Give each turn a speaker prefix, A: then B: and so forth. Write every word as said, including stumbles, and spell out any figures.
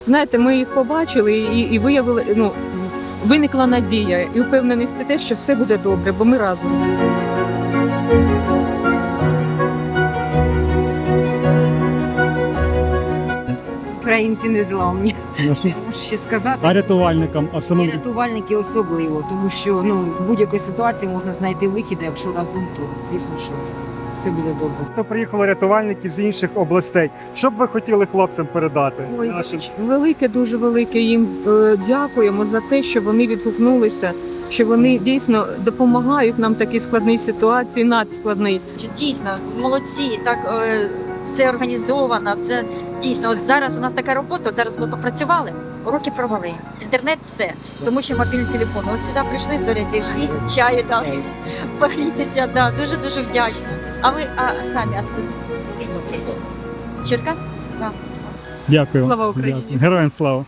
A: Знаєте, ми їх побачили і, і виявили, ну, виникла надія і впевненість в те, що все буде добре, бо ми разом.
B: Українці незламні.
C: Нашим
B: Я можу ще сказати.
C: а рятувальникам
B: І
C: особливо.
B: рятувальники особливо, тому що ну, з будь-якої ситуації можна знайти вихід, а якщо разом, то звісно, що все буде добре.
D: То приїхали рятувальники з інших областей. Що б ви хотіли хлопцям передати?
A: Ой,
D: Нашим?
A: велике, дуже велике їм е, дякуємо за те, що вони відгукнулися, що вони дійсно допомагають нам в такій складній ситуації, надскладній.
E: Дійсно, молодці, так е, все організовано. Це дійсно, от зараз у нас така робота, от зараз ми попрацювали, уроки провели, інтернет, все. Тому що мобільний телефон. От сюди прийшли зарядити, чаю дали, погрітися, да, дуже-дуже вдячна. А ви а самі откуда? Черкас? Да.
C: Дякую.
A: Слава Україні!
C: Дякую. Героям слава!